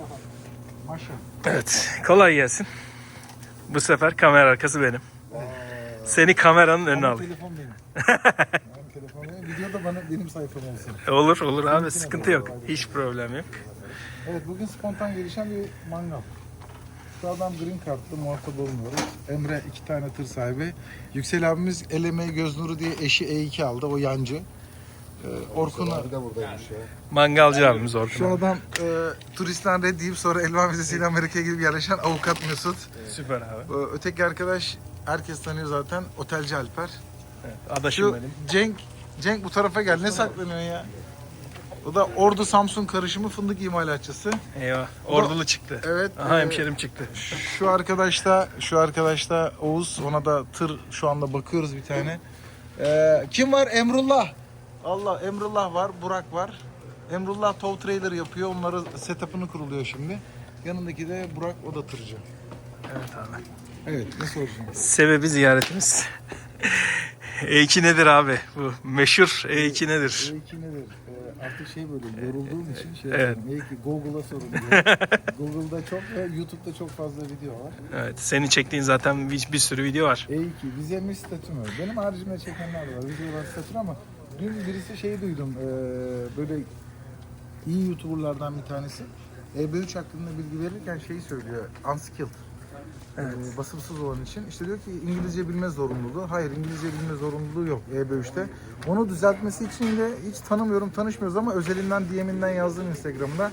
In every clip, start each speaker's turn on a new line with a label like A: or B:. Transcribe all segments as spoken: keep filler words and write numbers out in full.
A: Maşa.
B: Evet, kolay gelsin. Bu sefer kamera arkası benim. Seni kameranın önüne
A: Ama
B: alayım.
A: telefon benim. Benim telefon benim. Video da bana, benim sayfam olsun.
B: Olur olur abi, sıkıntı yok. Hiç problem yok.
A: Evet, bugün spontan gelişen bir mangal. Şu adam green card'lı, muhatap olmuyoruz. Emre iki tane tır sahibi. Yüksel abimiz el emeği göz nuru diye eşi E iki aldı, o yancı. Ee, Orkun'a...
C: da buradaymış ya.
B: Mangalcı abimiz
A: Şu
B: Orkun abi.
A: adam e, turistten red deyip sonra Elvan vizesiyle Amerika'ya gidip yerleşen avukat Mesut.
B: Süper abi.
A: Ee, öteki arkadaş herkes tanıyor zaten, otelci Alper.
B: Evet, adaşım
A: Şu
B: benim.
A: Cenk, Cenk bu tarafa gel, ne saklanıyorsun ya? O da Ordu Samsun karışımı fındık imalatçısı.
B: Eyvah, ordulu çıktı.
A: Evet.
B: Aha
A: e,
B: hemşerim çıktı.
A: Şu arkadaş da, şu arkadaş da Oğuz. Ona da tır şu anda bakıyoruz bir tane. Ee, kim var? Emrullah. Allah, Emrullah var, Burak var. Emrullah tow trailer yapıyor. Onları setup'ını kuruluyor şimdi. Yanındaki de Burak, o da tırcı.
B: Evet abi.
A: Evet, ne soracaksın?
B: Sebebi ziyaretimiz. E iki nedir abi? Bu meşhur E iki nedir?
A: E iki nedir? Ee, artık şey böyle yorulduğum için şey
B: Evet.
A: yapıyorum. E iki Google'a sorun diyor. Google'da çok ve YouTube'da çok fazla video var.
B: Evet, senin çektiğin zaten bir, bir sürü video var.
A: E iki, vize mi statü mü? Benim haricimde çekenler de var. Vize var, statü ama dün birisi şey duydum. Ee, böyle iyi YouTuber'lardan bir tanesi. E B üç hakkında bilgi verirken şeyi söylüyor. Unskilled.
B: Evet.
A: Ee, basımsız olan için. İşte diyor ki İngilizce bilme zorunluluğu. Hayır, İngilizce bilme zorunluluğu yok E B üçte. Onu düzeltmesi için de hiç tanımıyorum, tanışmıyoruz ama özelinden D M'inden yazdım Instagram'da.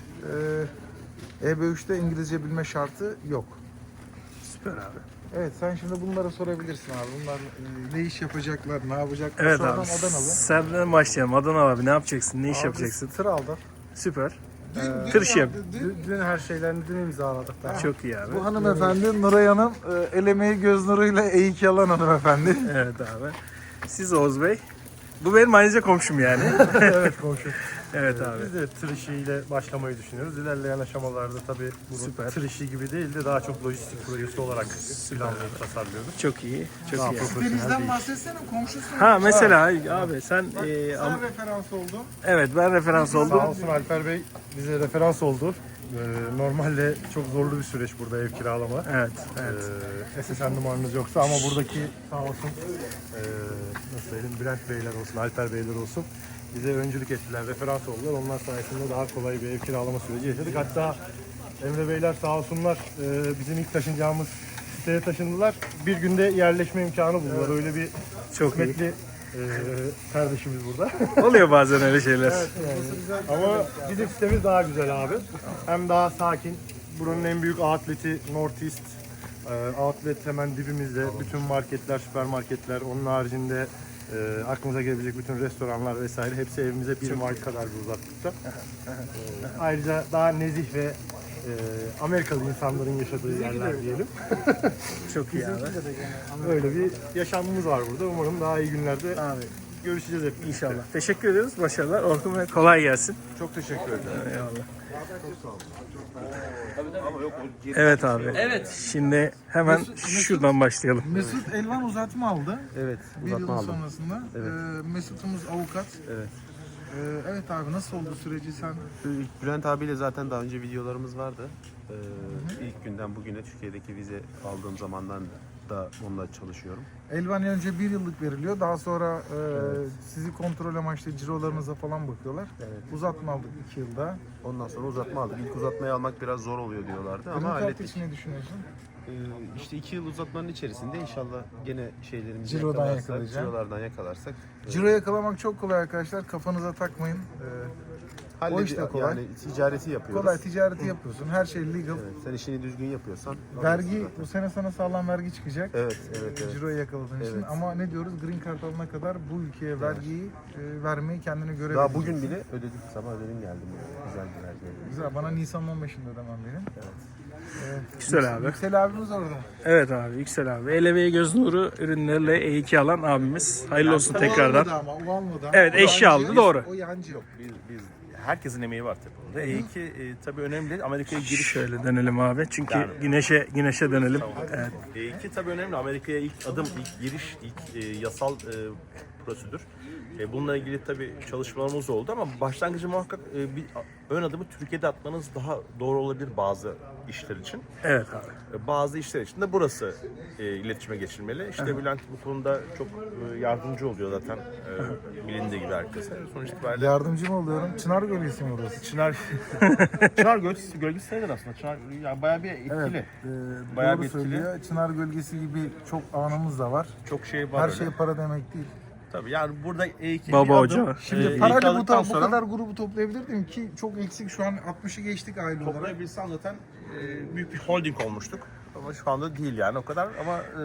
A: Ee, E B üçte İngilizce bilme şartı yok.
B: Süper abi.
A: Evet, sen şimdi bunlara sorabilirsin abi. Bunlar e, ne iş yapacaklar, ne yapacaklar?
B: Evet
A: Şu adam
B: abi.
A: Adanalı.
B: Senden başlayalım. Adana abi ne yapacaksın? Ne iş
A: Abi,
B: yapacaksın?
A: Tır aldı.
B: Süper.
A: Dün,
B: Tır işi yap.
A: dün, dün her şeylerini dün imzaladık.
B: Çok iyi abi.
A: Bu hanımefendi Nuray Hanım, e, el emeği göz nuruyla E iki alan hanımefendi.
B: Evet abi. Siz Oğuz Bey. Bu benim ayrıca komşum yani.
D: Evet komşu.
B: Evet abi.
D: Biz de tır işiyle başlamayı düşünüyoruz. İlerleyen aşamalarda tabii bu
B: Süper.
D: tır işi gibi değil de daha çok lojistik projesi olarak planlayıp tasarlıyoruz.
B: Çok iyi. Çok
D: Daha
B: iyi.
D: profesyonel
A: Deniz'den
D: bir
A: bahsetsene, komşusun.
B: Ha mesela abi sen
A: Bak,
B: e,
A: sana
B: am-
A: referans oldum.
B: evet ben referans
D: Sağ
B: oldum.
D: olsun Alper Bey bize referans oldu. Ee, normalde çok zorlu bir süreç burada ev kiralama.
B: Evet. Evet.
D: Ee, S S N numaranız yoksa ama buradaki sağ olsun ee, nasıl söyleyeyim Bülent Beyler olsun, Alper Beyler olsun bize öncülük ettiler, referans oldular. Onlar sayesinde daha kolay bir ev kiralama süreci yaşadık. Hatta Emre Beyler sağ olsunlar ee, bizim ilk taşınacağımız siteye taşındılar. Bir günde yerleşme imkanı buldular. Öyle bir
B: Çok iyi.
D: kısmetli ee, kardeşimiz burada.
B: Oluyor bazen öyle şeyler.
D: Ama bizim sitemiz daha güzel abi. Hem daha sakin. Buranın en büyük outleti North East. Ee, outlet hemen dibimizde. Bütün marketler, süpermarketler, onun haricinde e, aklınıza gelebilecek bütün restoranlar vesaire hepsi evimize bir mile kadar bir uzaklıkta. Ee, ayrıca daha nezih ve e, Amerikalı insanların yaşadığı yerler diyelim.
B: Çok iyi abi.
D: Öyle bir yaşamımız var burada. Umarım daha iyi günlerde
B: Abi
D: görüşeceğiz hep.
B: inşallah. Teşekkür ediyoruz. Başarılar. Orkun Bey kolay gelsin.
A: Çok teşekkür ederim.
B: Eyvallah. Evet abi. Evet. Şimdi hemen şuradan başlayalım.
A: Mesut Elvan uzatma aldı.
C: Evet,
A: Bir yıl
C: uzatma aldım.
A: sonrasında.
C: Evet.
A: Ee, Mesut'umuz avukat.
C: Evet.
A: Ee, evet abi, nasıl oldu süreci sen?
C: Bülent abiyle zaten daha önce videolarımız vardı. Ee, ilk günden bugüne Türkiye'deki vize aldığım zamandan da onunla çalışıyorum.
A: Elvan önce bir yıllık veriliyor. Daha sonra e, sizi kontrol amaçlı cirolarınıza falan bakıyorlar.
C: Evet.
A: Uzatma aldık iki yılda.
C: Ondan sonra uzatma aldık. İlk uzatmayı almak biraz zor oluyor diyorlardı ama
A: Green Card
C: hallettik.
A: için ne düşünüyorsun?
C: Ee, işte iki yıl uzatmanın içerisinde inşallah gene şeylerimizi
A: Cirodan
C: yakalarsak,
A: yakalayacaksın.
C: cirolardan yakalarsak e,
A: Ciro yakalamak çok kolay arkadaşlar. Kafanıza takmayın. Ee,
C: halledi-
A: o işte kolay.
C: Yani ticareti yapıyoruz.
A: kolay ticareti yapıyorsun. Her şey legal.
C: Evet, sen işini düzgün yapıyorsan.
A: Vergi,
C: zaten.
A: bu sene sana sağlam vergi çıkacak.
C: Evet, evet, evet.
A: Ciro'yu yakaladığın için.
C: Evet.
A: Ama ne diyoruz? Green Card alana kadar bu ülkeye vergiyi e, vermeyi kendine göre
C: Daha
A: vereceksin.
C: bugün bile ödedik. Sabah ödedim geldim. Yani. Güzel bir vergi ödedim.
A: Güzel. Bana Nisan'ın on beşinde ödemem benim. Evet.
B: Güzel abi.
A: Yüksel abimiz orada.
B: Evet abi Yüksel abi. El emeği göz nuru ürünlerle E iki alan abimiz. Hayırlı olsun
A: O
B: tekrardan.
A: almadı ama, o almadı.
B: Evet,
A: O
B: eşi
A: yancı.
B: aldı, doğru.
A: O yancı yok.
E: Biz, biz herkesin emeği var tabii burada. E iki e, tabii önemli. Amerika'ya giriş.
B: Şöyle dönelim abi. Çünkü
E: Yani.
B: güneşe güneşe dönelim. Evet.
E: E iki tabii önemli. Amerika'ya ilk adım, ilk giriş, ilk e, yasal e, prosedür. E, bununla ilgili tabii çalışmalarımız oldu ama başlangıcı muhakkak e, bir ön adımı Türkiye'de atmanız daha doğru olabilir bazı işler için.
B: Evet abi.
E: E, Bazı işler için de burası e, iletişime geçilmeli. İşte Bülent bu konuda çok e, yardımcı oluyor zaten e, bilindiği gibi herkese. Sonuç itibariyle
A: Yardımcı mı oluyorum? Çınar Gölgesi mi orası?
E: Çınar Çınar gölgesi, gölgesi sayılır aslında. Çınar yani bayağı bir etkili.
A: Evet. E,
E: Bayağı
A: doğru
E: bir etkili.
A: söylüyor. Çınar Gölgesi gibi çok anımız da var.
E: Çok şey var
A: Her
E: öyle.
A: şey para demek değil.
E: Tabii yani burada E iki
B: Baba
E: bir adım,
B: hoca.
A: Şimdi
E: e,
A: parayla bu,
E: aldıktan
A: ta- bu
E: sonra
A: kadar grubu toplayabilirdim ki çok eksik. Şu an altmışı geçtik aile olarak.
E: toplayabilsen zaten e, büyük bir holding olmuştuk. Ama şu anda değil yani o kadar ama e,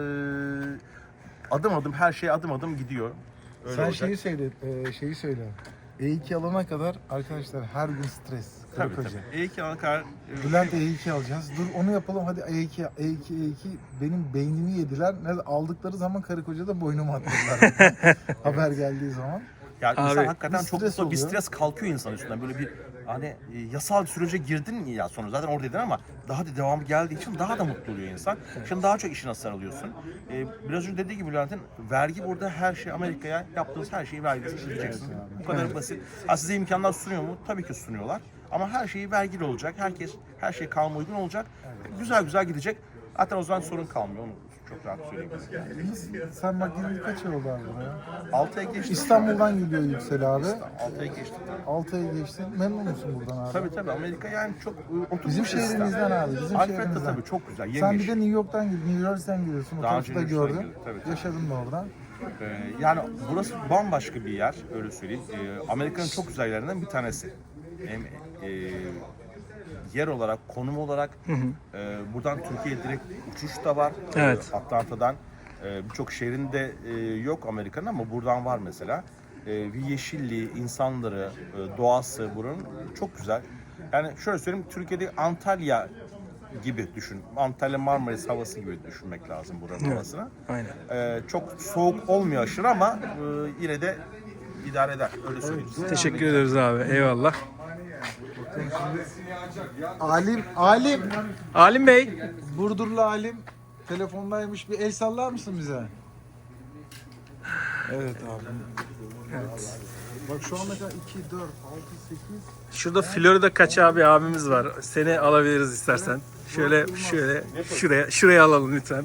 E: adım adım her şey adım adım gidiyor. Öyle
A: Sen
E: olacak.
A: şeyi söyle, e, şeyi söyle. E iki alana kadar arkadaşlar her gün stres.
E: Tabii
A: Karı
E: tabii.
A: koca.
E: E iki ana kadar e,
A: Bülent E iki alacağız. Dur onu yapalım hadi E iki, E iki, E iki. Benim beynimi yediler. Ne aldıkları zaman karı koca da boynumu attılar. Haber geldiği zaman.
E: yani
B: Abi,
E: insan hakikaten
A: bir
E: çok
A: stres
E: mutlu bir
A: oluyor.
E: stres kalkıyor insan üstünden. Böyle bir hani e, yasal bir sürece girdin ya sonra zaten oradaydın ama daha da devamı geldiği için daha da mutlu oluyor insan. Şimdi daha çok işine sarılıyorsun. E, biraz önce dediği gibi Bülent'in vergi burada her şey Amerika'ya yaptığınız her şeyi vergisini ödeyeceksiniz. Bu kadar basit. Ha, size imkanlar sunuyor mu? Tabii ki sunuyorlar. Ama her şeyi vergili olacak. Herkes her şey kanuna uygun olacak. Güzel güzel gidecek. Zaten o zaman sorun kalmıyor. Onu çok rahat söyleyeyim.
A: Sen bak yirmi kaç yıl oldu abi buraya?
E: altı ay geçti.
A: İstanbul'dan geliyor Yüksel abi.
E: altı ay geçti.
A: altı ay geçti. Memnun musun buradan abi?
E: Tabii tabii Amerika yani çok e, oturmuş
A: Bizim
E: bir sistem.
A: şehrimizden abi. Bizim
E: Alfred de
A: şehrimizden.
E: tabii çok güzel.
A: Sen
E: Yemyeşil.
A: bir de New York'tan gidiyorsun, New Jersey'den gidiyorsun. O
E: Daha
A: tarafı
E: önce
A: da
E: New York'tan
A: gördüm.
E: geldim, tabii, tabii.
A: Yaşadın da orada.
E: Ee, yani burası bambaşka bir yer öyle söyleyeyim. Ee, Amerika'nın çok güzel yerlerinden bir tanesi. Hem e, yer olarak, konum olarak e, buradan Türkiye'ye direkt uçuş da var.
B: Evet.
E: Ee, Atlanta'dan e, birçok şehrinde e, yok Amerika'nın ama buradan var mesela. E, bir yeşilliği, insanları, e, doğası buranın çok güzel. Yani şöyle söyleyeyim, Türkiye'de Antalya gibi düşün. Antalya Marmaris havası gibi düşünmek lazım buranın havasını.
B: Aynen.
E: Ee, çok soğuk olmuyor aşırı ama e, yine de idare eder. Öyle söyleyeyim.
B: Teşekkür ederiz abi. Eyvallah.
A: Alim, Alim.
B: Alim Bey.
A: Burdurlu Alim. Telefondaymış. Bir el sallar mısın bize? Evet abi.
B: Evet.
A: Bak şu ana kadar iki, dört, altı, sekiz.
B: Şurada Florida kaç abi abimiz var. Seni alabiliriz istersen. Şöyle şöyle şuraya şuraya alalım lütfen.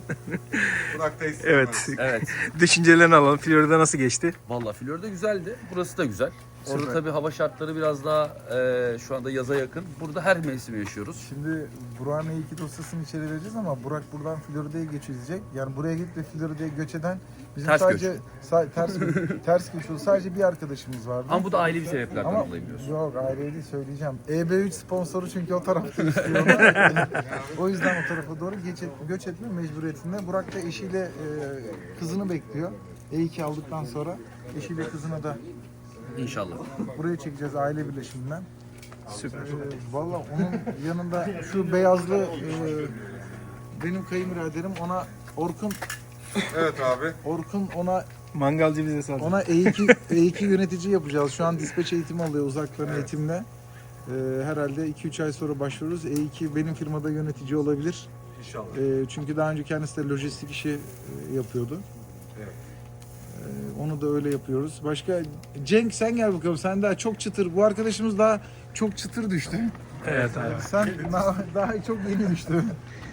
B: Evet.
F: Evet.
B: Düşüncelerini alalım. Florida nasıl geçti?
F: Vallahi Florida güzeldi. Burası da güzel. Orada tabii hava şartları biraz daha e, şu anda yaza yakın. Burada her mevsimi yaşıyoruz.
A: Şimdi Burak'ın E iki dosyasını içeri vereceğiz ama Burak buradan Florida'ya geçecek. Yani buraya gidip de Florida'ya göç eden bizim
F: Ters
A: sadece sa- ters ters göç oldu. Sadece bir arkadaşımız vardı.
F: Ama bu da ailevi sebeplerden
A: Ama
F: dolayı biliyorsun.
A: yok ayrı değil söyleyeceğim. E B üç sponsoru çünkü o tarafta istiyor. O yüzden o tarafa doğru geç et, göç etme mecburiyetinde. Burak da eşiyle e, kızını bekliyor. E iki aldıktan sonra eşiyle kızına da
F: İnşallah.
A: buraya çekeceğiz aile birleşiminden.
B: Süper.
A: Ee, Valla onun yanında şu beyazlı e, benim kayınbiraderim ona Orkun
G: Evet abi.
A: Orkun ona
B: Mangalcı bize sağ
A: ona E iki E iki yönetici yapacağız. Şu an dispatch eğitimi alıyor uzaktan eğitimle. Ee, herhalde iki üç ay sonra başvururuz. E iki benim firmada yönetici olabilir.
G: İnşallah.
A: Ee, çünkü daha önce kendisi de lojistik işi e, yapıyordu.
G: Evet.
A: Ee, onu da öyle yapıyoruz. Başka Cenk sen gel bakalım. Sen daha çok çıtır. Bu arkadaşımız daha çok çıtır düştü.
B: Evet abi.
A: Sen daha, daha çok yeni düştü.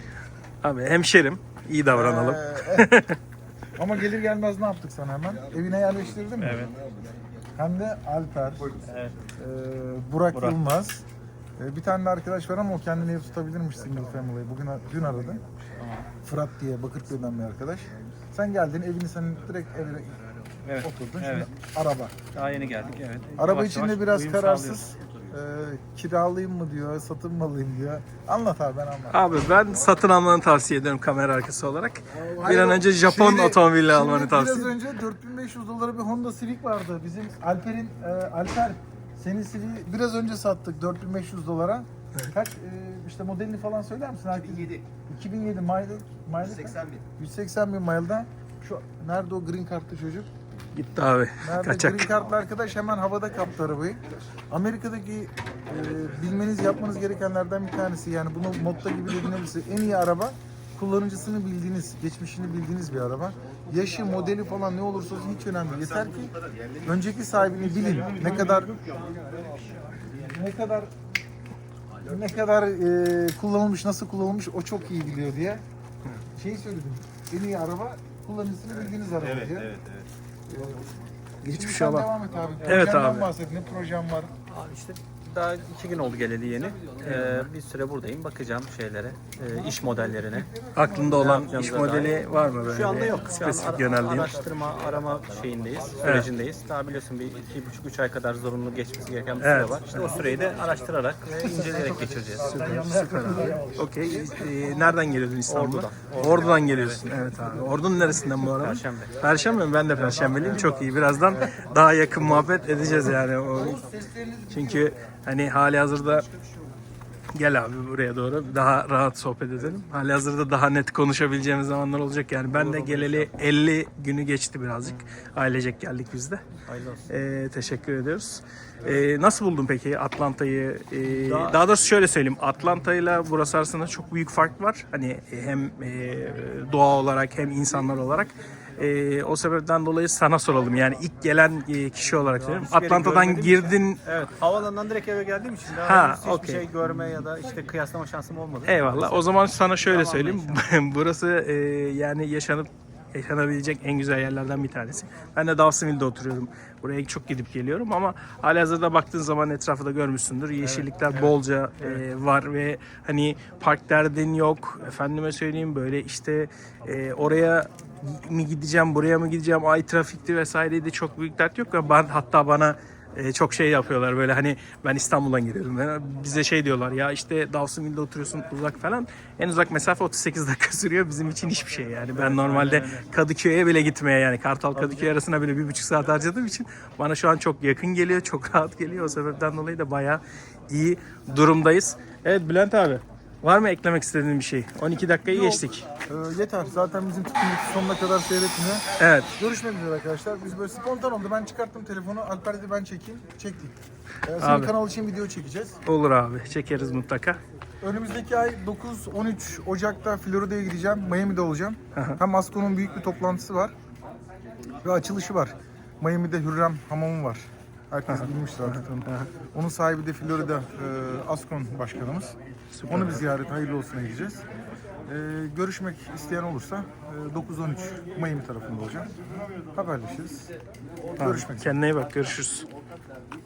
B: Abi hemşerim. İyi davranalım.
A: Ee, evet. Ama gelir gelmez ne yaptık sana hemen? Evine yerleştirdin mi?
B: Evet.
A: Hem de Alper,
B: Evet.
A: e, Burak,
B: Burak.
A: Yılmaz. E, bir tane de arkadaş var ama o kendini ev tutabilirmiş single family'yi. Bugün dün aradı. Fırat diye Bakırköy'den bir arkadaş. Sen geldin evini senin direkt evine
H: Evet.
A: oturdun.
H: Evet.
A: Şimdi araba.
H: Daha yeni geldik, evet.
A: Araba
H: Yavaş
A: içinde
H: yavaş
A: biraz
H: uyum
A: kararsız. E, kiralayayım mı diyor, satın mı alayım diyor. Anlat abi ben anlat.
B: Abi ben satın almanı tavsiye ediyorum kamera arkası olarak. Bir
A: Hayır,
B: an önce Japon
A: şimdi-
B: otomobili
A: şimdi
B: almanı tavsiye
A: Biraz
B: ediyorum.
A: önce dört bin beş yüz dolara bir Honda Civic vardı. Bizim Alper'in, e, Alper senin Civic'i biraz önce sattık dört bin beş yüz dolara. Kaç e, işte modelini falan söyler misin? iki bin yedi. iki bin yedi mile, mile yüz seksen bin. yüz seksen bin mile'da. Şu nerede o green kartlı çocuk?
B: Gitti abi.
A: Nerede
B: Kaçak.
A: green kartlı arkadaş hemen havada kaptı arabayı. Amerika'daki e, bilmeniz yapmanız gerekenlerden bir tanesi yani bunu modda gibi dediğiniz en iyi araba kullanıcısını bildiğiniz, geçmişini bildiğiniz bir araba. Yaşı, modeli falan ne olursa olsun hiç önemli değil. Yeter ki önceki sahibini bilin. Ne kadar ne kadar ne kadar e, kullanılmış, nasıl kullanılmış o çok iyi biliyor diye. Şey söyledim. En iyi araba kullanıcısını bildiğiniz araba diye.
C: evet, evet.
A: Geçmiş
B: şey olmaz.
A: devam et abi.
B: Evet
A: Projenden
B: abi.
A: bahset. Ne projem var?
H: Abi işte daha iki gün oldu geleli yeni. Ee, bir süre buradayım. Bakacağım şeylere, e, iş modellerine.
B: Aklında olan
H: yapacağımıza
B: iş modeli var mı böyle?
H: Şu anda
B: bir
H: yok. Şu an
B: Spesifik
H: ara-
B: yöneldiğin.
H: araştırma, arama şeyindeyiz, sürecindeyiz. Daha biliyorsun bir iki buçuk üç ay kadar zorunlu geçmesi gereken bir
B: Evet.
H: süre var. İşte o süreyi de araştırarak ve inceleyerek geçireceğiz.
B: Süper abi. Okey. Ee, nereden geliyordun İstanbul'a?
H: Ordu'dan.
B: Ordu'dan geliyorsun. Evet abi. Ordu'nun neresinden bu arada?
H: Perşembe.
B: Perşembe mi? Ben de Perşembeliyim. Çok iyi. Birazdan daha yakın muhabbet edeceğiz yani. O, çünkü hani hali hazırda gel abi buraya doğru daha rahat sohbet edelim. Hali hazırda daha net konuşabileceğimiz zamanlar olacak yani. Ben de geleli elli günü geçti birazcık. Ailecek geldik biz de.
H: Hayırlı olsun.
B: Ee, teşekkür ediyoruz. Ee, nasıl buldun peki Atlanta'yı? Ee, daha doğrusu şöyle söyleyeyim. Atlanta ile burası arasında çok büyük fark var. Hani hem e, doğa olarak hem insanlar olarak. Ee, o sebepten dolayı sana soralım. Yani ilk gelen e, kişi olarak söylüyorum.
H: hiçbir yeri
B: Atlanta'dan
H: görmediğim
B: girdin.
H: Evet, havaalanından direkt eve geldiğim için daha
B: Ha,
H: henüz hiçbir
B: okey.
H: şey görme ya da işte kıyaslama şansım olmadı.
B: Eyvallah. O zaman sana şöyle
H: Tamam,
B: söyleyeyim. Burası e, yani yaşanıp yaşanabilecek en güzel yerlerden bir tanesi. Ben de Dawsonville'de oturuyorum. Buraya çok gidip geliyorum ama halihazırda baktığın zaman etrafı da görmüşsündür. Yeşillikler bolca e, var ve hani park derdin yok. Efendime söyleyeyim böyle işte e, oraya mi gideceğim, buraya mı gideceğim, ay trafikti vesaireydi çok büyük dert yok. Ve ben, hatta bana e, çok şey yapıyorlar böyle hani ben İstanbul'dan geliyorum. Yani bize şey diyorlar ya işte Dawsonville'de oturuyorsun uzak falan. En uzak mesafe otuz sekiz dakika sürüyor. Bizim için hiçbir şey yani. Ben normalde Kadıköy'e bile gitmeye yani Kartal Kadıköy arasına bile bir buçuk saat harcadığım için bana şu an çok yakın geliyor. Çok rahat geliyor. O sebepten dolayı da bayağı iyi durumdayız. Evet Bülent abi. Var mı eklemek istediğin bir şey? on iki dakikayı geçtik.
A: Ee, yeter. Zaten bizim tutkumuz sonuna kadar seyretmiyor.
B: Evet.
A: Görüşmek üzere arkadaşlar. Biz böyle spontan oldu. Ben çıkarttım telefonu. Alper dedi ben çekeyim. Çektik. Ee, senin
B: Abi.
A: kanal için video çekeceğiz.
B: Olur abi. Çekeriz mutlaka.
A: Önümüzdeki ay dokuz on üç Ocak'ta Florida'ya gideceğim. Miami'de olacağım. Hem Asco'nun büyük bir toplantısı var. Ve açılışı var. Miami'de Hürrem Hamamı var. Herkes bilmiştir artık onu. Onun sahibi de Florida e, Ascon başkanımız. Onu bir ziyaret hayırlı olsuna gideceğiz. E, görüşmek isteyen olursa e, dokuz on üç Miami tarafında olacağım. Haberleşiriz. Görüşmek üzere.
B: Kendine iyi bak. Görüşürüz.